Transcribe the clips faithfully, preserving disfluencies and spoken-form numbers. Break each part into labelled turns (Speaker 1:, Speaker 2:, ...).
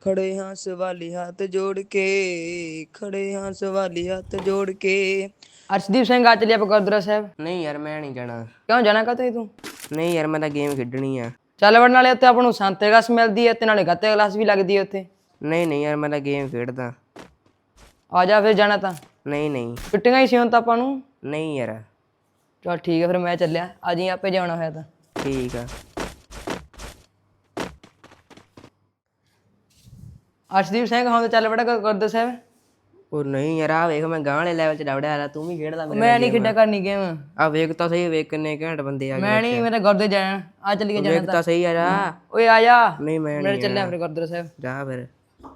Speaker 1: ਖੜੇ ਹਾਂ ਸਵਾਲੀ ਹੱਥ ਜੋੜ ਕੇ, ਖੜੇ ਹਾਂ ਸਵਾਲੀ ਹੱਥ ਜੋੜ ਕੇ।
Speaker 2: ਅਰਸ਼ਦੀਪ ਸਿੰਘ ਆ ਚੱਲੀਏ ਆਪਾਂ ਗੁਰਦੁਆਰਾ ਸਾਹਿਬ।
Speaker 1: ਨਹੀਂ ਯਾਰ ਮੈਂ ਨਹੀਂ ਜਾਣਾ।
Speaker 2: ਕਿਉਂ ਜਾਣਾ ਕਾਹਤੋਂ ਤੂੰ?
Speaker 1: ਨਹੀਂ ਯਾਰ ਮੈਂ ਤਾਂ ਗੇਮ ਖੇਡਣੀ ਆ।
Speaker 2: ਚੱਲ ਵੜ, ਨਾਲੇ ਉੱਥੇ ਆਪਾਂ ਨੂੰ ਸੰਤੇ ਕਲਾਸ ਮਿਲਦੀ ਹੈ ਤੇ ਨਾਲੇ ਗੱਤੇ ਕਲਾਸ ਵੀ ਲੱਗਦੀ ਹੈ ਉੱਥੇ।
Speaker 1: ਨਹੀਂ ਨਹੀਂ ਯਾਰ ਮੈਂ ਤਾਂ ਗੇਮ ਖੇਡਦਾ।
Speaker 2: ਆ ਜਾ ਫਿਰ ਜਾਣਾ ਤਾਂ।
Speaker 1: ਨਹੀਂ ਨਹੀਂ
Speaker 2: ਛੁੱਟੀਆਂ ਹੀ ਸੀ ਹੁਣ ਤਾਂ ਆਪਾਂ ਨੂੰ।
Speaker 1: ਨਹੀਂ ਯਾਰ।
Speaker 2: ਚਲ ਠੀਕ ਹੈ ਫਿਰ ਮੈਂ ਚੱਲਿਆ, ਆ ਜੀ ਆਪੇ ਜਾਣਾ ਹੋਇਆ ਤਾਂ।
Speaker 1: ਠੀਕ ਆ।
Speaker 2: ਅਰਸ਼ਦੀਪ ਸਿੰਘ ਹੁਣ ਤਾਂ ਚੱਲ ਵੜਾ ਗੁਰਦੁਆਰਾ ਸਾਹਿਬ।
Speaker 1: ਉਹ ਨਹੀਂ ਯਾਰ ਆ ਵੇਖ ਮੈਂ ਗਾਂ ਵਾਲੇ ਲੈਵਲ 'ਚ ਡਵੜਿਆ ਆ, ਤੂੰ ਵੀ ਖੇਡਦਾ।
Speaker 2: ਮੈਂ ਨਹੀਂ ਖੇਡਿਆ ਕਰਨੀ ਗੇਮ।
Speaker 1: ਆ ਵੇਖ ਤਾਂ ਸਹੀ, ਵੇਖ ਕਿੰਨੇ ਘੈਂਟ ਬੰਦੇ ਆ ਗਏ।
Speaker 2: ਮੈਂ ਨਹੀਂ, ਮੈਂ ਤਾਂ ਗੁਰਦੁਆਰੇ ਜਾਣਾ। ਆ ਚੱਲੀਏ ਜਾਣਾ
Speaker 1: ਵੇਖ ਤਾਂ ਸਹੀ ਆ ਜਾ।
Speaker 2: ਓਏ ਆ ਜਾ।
Speaker 1: ਨਹੀਂ ਮੈਂ
Speaker 2: ਮੈਂ
Speaker 1: ਨਹੀਂ
Speaker 2: ਚੱਲਿਆ ਫਿਰ ਗੁਰਦੁਆਰਾ ਸਾਹਿਬ।
Speaker 1: ਜਾ ਫਿਰ।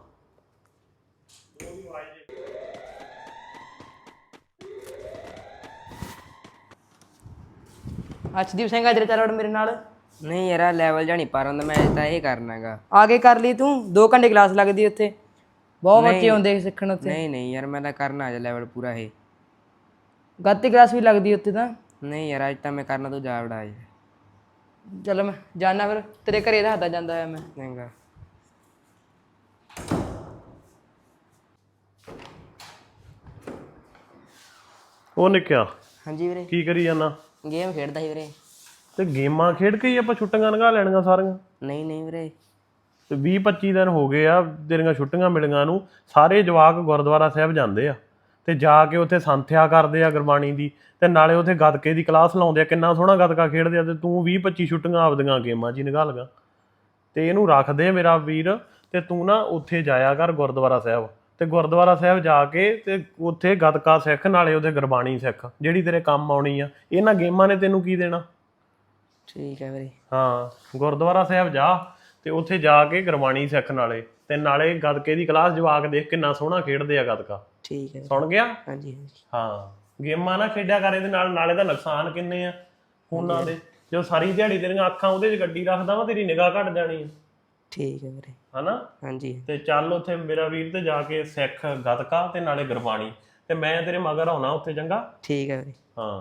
Speaker 2: ਅਰਸ਼ਦੀਪ ਸਿੰਘ ਆ ਤੇਰੇ ਚੱਲ ਵੜ ਮੇਰੇ ਨਾਲ।
Speaker 1: ਨਹੀਂ ਯਾਰ ਲੈਵਲ ਜਾਣੀ ਪਰ ਹੁੰਦਾ, ਮੈਂ ਤਾਂ ਇਹ ਕਰਨਾਗਾ।
Speaker 2: ਆ ਕੇ ਕਰ ਲਈ ਤੂੰ, ਦੋ ਘੰਟੇ ਕਲਾਸ ਲੱਗਦੀ ਉੱਥੇ, ਬਹੁਤ ਬੱਚੇ ਆਉਂਦੇ ਸਿੱਖਣ ਉੱਥੇ।
Speaker 1: ਨਹੀਂ ਨਹੀਂ ਯਾਰ ਮੈਂ ਤਾਂ ਕਰਨਾ ਅੱਜ ਲੈਵਲ ਪੂਰਾ ਇਹ।
Speaker 2: ਗੱਤੀ ਕਲਾਸ ਵੀ ਲੱਗਦੀ ਉੱਥੇ ਤਾਂ।
Speaker 1: ਨਹੀਂ ਯਾਰ ਅੱਜ ਤਾਂ ਮੈਂ ਕਰਨਾ, ਤੂੰ ਜਾ ਵੜਾ ਅੱਜ।
Speaker 2: ਚਲੋ ਮੈਂ ਜਾਣਾ ਫਿਰ, ਤੇਰੇ ਘਰੇ ਰੱਖਦਾ ਜਾਂਦਾ ਹੋਇਆ ਮੈਂ।
Speaker 1: ਚੰਗਾ।
Speaker 3: ਉਹ ਨਿੱਕਿਆ
Speaker 1: ਹਾਂਜੀ ਵੀਰੇ।
Speaker 3: ਕੀ ਕਰੀ ਜਾਂਦਾ?
Speaker 1: ਗੇਮ ਖੇਡਦਾ ਸੀ ਵੀਰੇ।
Speaker 3: ਤੇ ਗੇਮਾਂ ਖੇਡ ਕੇ ਹੀ ਆਪਾਂ ਛੁੱਟੀਆਂ ਲੰਘਾ ਲੈਣੀਆਂ ਸਾਰੀਆਂ।
Speaker 1: ਨਹੀਂ ਨਹੀਂ ਵੀਰੇ।
Speaker 3: ਤੇ ਵੀਹ ਪੱਚੀ ਦਿਨ ਹੋ ਗਏ ਆ ਤੇਰੀਆਂ ਛੁੱਟੀਆਂ ਮਿਲੀਆਂ ਨੂੰ। ਸਾਰੇ ਜਵਾਕ ਗੁਰਦੁਆਰਾ ਸਾਹਿਬ ਜਾਂਦੇ ਆ ਤੇ ਜਾ ਕੇ ਉੱਥੇ ਸੰਥਿਆ ਕਰਦੇ ਆ ਗੁਰਬਾਣੀ ਦੀ, ਤੇ ਨਾਲੇ ਉੱਥੇ ਗੱਤਕੇ ਦੀ ਕਲਾਸ ਲਾਉਂਦੇ ਆ। ਕਿੰਨਾ ਸੋਹਣਾ ਗੱਤਕਾ ਖੇਡਦੇ ਆ, ਤੇ ਤੂੰ ਵੀਹ ਪੱਚੀ ਛੁੱਟੀਆਂ ਆਪਦੀਆਂ ਗੇਮਾਂ 'ਚ ਹੀ ਨਿਕਾਲ ਲਗਾ। ਤੇ ਇਹਨੂੰ ਰੱਖ ਦੇ ਮੇਰਾ ਵੀਰ, ਤੇ ਤੂੰ ਨਾ ਉੱਥੇ ਜਾਇਆ ਕਰ ਗੁਰਦੁਆਰਾ ਸਾਹਿਬ। ਤੇ ਗੁਰਦੁਆਰਾ ਸਾਹਿਬ ਜਾ ਕੇ ਤੇ ਉੱਥੇ ਗੱਤਕਾ ਸਿੱਖ, ਨਾਲੇ ਉਹਦੇ ਗੁਰਬਾਣੀ ਸਿੱਖ ਜਿਹੜੀ ਤੇਰੇ ਕੰਮ ਆਉਣੀ ਆ। ਇਹਨਾਂ ਗੇਮਾਂ ਨੇ ਤੈਨੂੰ ਕੀ ਦੇਣਾ?
Speaker 1: ਠੀਕ ਹੈ ਵੀਰੇ।
Speaker 3: ਹਾਂ ਗੁਰਦੁਆਰਾ ਸਾਹਿਬ ਜਾ ਤੇ ਉੱਥੇ ਜਾ ਕੇ ਗੁਰਬਾਣੀ ਸਿੱਖ, ਨਾਲੇ ਤੇ ਨਾਲੇ ਗੱਤਕੇ ਦੀ ਕਲਾਸ। ਜਵਾਕ ਦੇਖ ਕਿੰਨਾ ਸੋਹਣਾ ਖੇਡਦੇ ਆ ਗੱਤਕਾ।
Speaker 1: ਠੀਕ ਹੈ।
Speaker 3: ਸੁਣ ਗਿਆ?
Speaker 1: ਹਾਂਜੀ ਹਾਂਜੀ।
Speaker 3: ਹਾਂ ਗੇਮਾਂ ਨਾ ਖੇਡਿਆ ਕਰ ਇਹਦੇ ਨਾਲ, ਨਾਲੇ ਦਾ ਨੁਕਸਾਨ ਕਿੰਨੇ ਆ ਫੋਨਾਂ ਦੇ। ਜੋ ਸਾਰੀ ਦਿਹਾੜੀ ਤੇਰੀਆਂ ਅੱਖਾਂ ਉਹਦੇ 'ਚ ਗੱਡੀ ਰੱਖਦਾ ਵਾ, ਤੇਰੀ ਨਿਗਾਹ ਘਟ ਜਾਣੀ ਆ।
Speaker 1: ਠੀਕ ਹੈ ਵੀਰੇ।
Speaker 3: ਹਨਾ?
Speaker 1: ਹਾਂਜੀ।
Speaker 3: ਤੇ ਚੱਲ ਉੱਥੇ ਮੇਰਾ ਵੀਰ ਤੇ ਜਾ ਕੇ ਸਿੱਖ ਗੱਤਕਾ ਤੇ ਨਾਲੇ ਗੁਰਬਾਣੀ, ਤੇ ਮੈਂ ਤੇਰੇ ਮਗਰ ਆਉਣਾ ਉੱਥੇ। ਚੰਗਾ?
Speaker 1: ਠੀਕ ਹੈ ਵੀਰੇ।
Speaker 3: ਹਾਂ।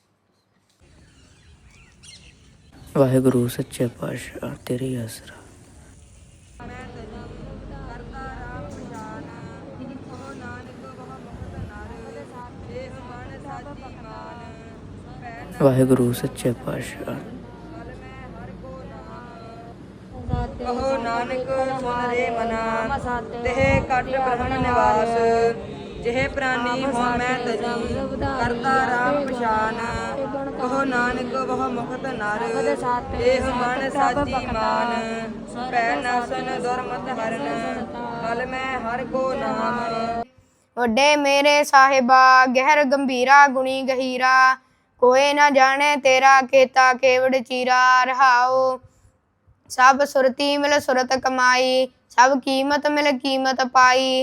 Speaker 1: ਵਾਹਿਗੁਰੂ ਸੱਚੇ ਪਾਤਸ਼ਾਹ ਤੇਰੀ ਆਸਰਾ। ਵਾਹਿਗੁਰੂ ਸੱਚੇ ਪਾਤਸ਼ਾਹ।
Speaker 2: ਕਹੋ ਨਾਨਕ ਸੁਨ ਰੇ ਮਨਾ, ਤਿਹ ਕਟ ਬ੍ਰਹਣ ਨਿਵਾਸ। ਜਿਹੇ ਪ੍ਰਾਨੀ ਹੋ ਮੈਂ ਤਜੀ, ਕਰਤਾ ਰਾਮ ਪਛਾਨ। ਕਹੋ ਨਾਨਕ ਬਹੁ ਮੁਖਤ ਨਰ, ਇਹ ਮਨ ਸਾਚੀ ਮਾਨ। ਪੈ ਨਾਸਨ ਦੁਰਮਤ ਹਰਨ, ਕਲ ਮੈਂ ਹਰ ਕੋ ਨਾਮ।
Speaker 4: ਵੱਡੇ ਮੇਰੇ ਸਾਹਿਬਾ ਗਹਿਰ ਗੰਭੀਰਾ ਗੁਣੀ ਗਹੀਰਾ, ਕੋਏ ਨਾ ਜਾਣੇ ਤੇਰਾ ਕੀਤਾ ਕੇਵੜ ਚੀਰਾ। ਰਹਾਓ ਸਭ ਸੁਰਤੀ ਮਿਲ ਸੁਰਤ ਕਮਾਈ, ਸਭ ਕੀਮਤ ਮਿਲ ਕੀਮਤ ਪਾਈ।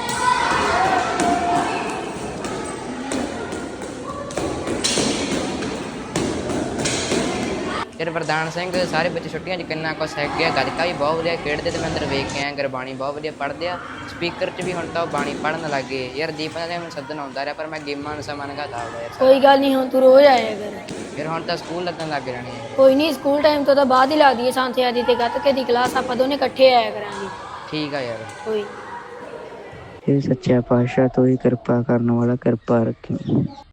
Speaker 5: ਯਾਰ ਵਰਦਾਨ ਸਿੰਘ ਸਾਰੇ ਬੱਚੇ ਛੁੱਟੀਆਂ 'ਚ ਕਿੰਨਾ ਕੁਛ ਸਿੱਖ ਗਿਆ। ਗੱਤਕਾ ਵੀ ਬਹੁਤ ਵਧੀਆ ਖੇਡਦੇ ਤੇ ਮੈਂ ਅੰਦਰ ਵੇਖ ਕੇ ਆਇਆ। ਗੁਰਬਾਣੀ ਬਹੁਤ ਵਧੀਆ ਪੜ੍ਹਦੇ ਆ। ਸਪੀਕਰ 'ਚ ਵੀ ਹੁਣ ਤਾਂ ਉਹ ਬਾਣੀ ਪੜ੍ਹਨ ਲੱਗ ਗਏ। ਯਾਰ ਦੀਪਾਂ ਦਾ ਮੈਨੂੰ ਸੱਦਣ ਆਉਂਦਾ ਰਿਹਾ, ਪਰ ਮੈਂ ਗੇਮਾਂ ਨੂੰ ਸਮਾਂ ਲਗਾਤਾ ਆਉਂਦਾ ਯਾਰ।
Speaker 6: ਕੋਈ ਗੱਲ ਨਹੀਂ, ਹੁਣ ਤੂੰ ਰੋਜ਼ ਆਇਆ ਕਰ।
Speaker 5: ਫਿਰ ਹੁਣ ਤਾਂ ਸਕੂਲ ਲੱਗਣ ਲੱਗ ਜਾਣੇ ਆ।
Speaker 6: ਕੋਈ ਨਹੀਂ, ਸਕੂਲ ਟਾਈਮ ਤੋਂ ਤਾਂ ਬਾਅਦ ਹੀ ਲੱਗਦੀ ਹੈ ਸੰਥਿਆ ਦੀ ਤੇ ਗੱਤਕੇ ਦੀ ਕਲਾਸ। ਆਪਾਂ ਦੋਨੇ ਇਕੱਠੇ ਆਇਆ ਕਰਾਂਗੇ।
Speaker 5: ਠੀਕ ਆ ਯਾਰ।
Speaker 6: ਕੋਈ
Speaker 1: ਇਹ ਸੱਚਾ ਪਾਤਸ਼ਾਹ ਤੂੰ ਹੀ ਕਿਰਪਾ ਕਰਨ ਵਾਲਾ, ਕਿਰਪਾ ਰੱਖੀ।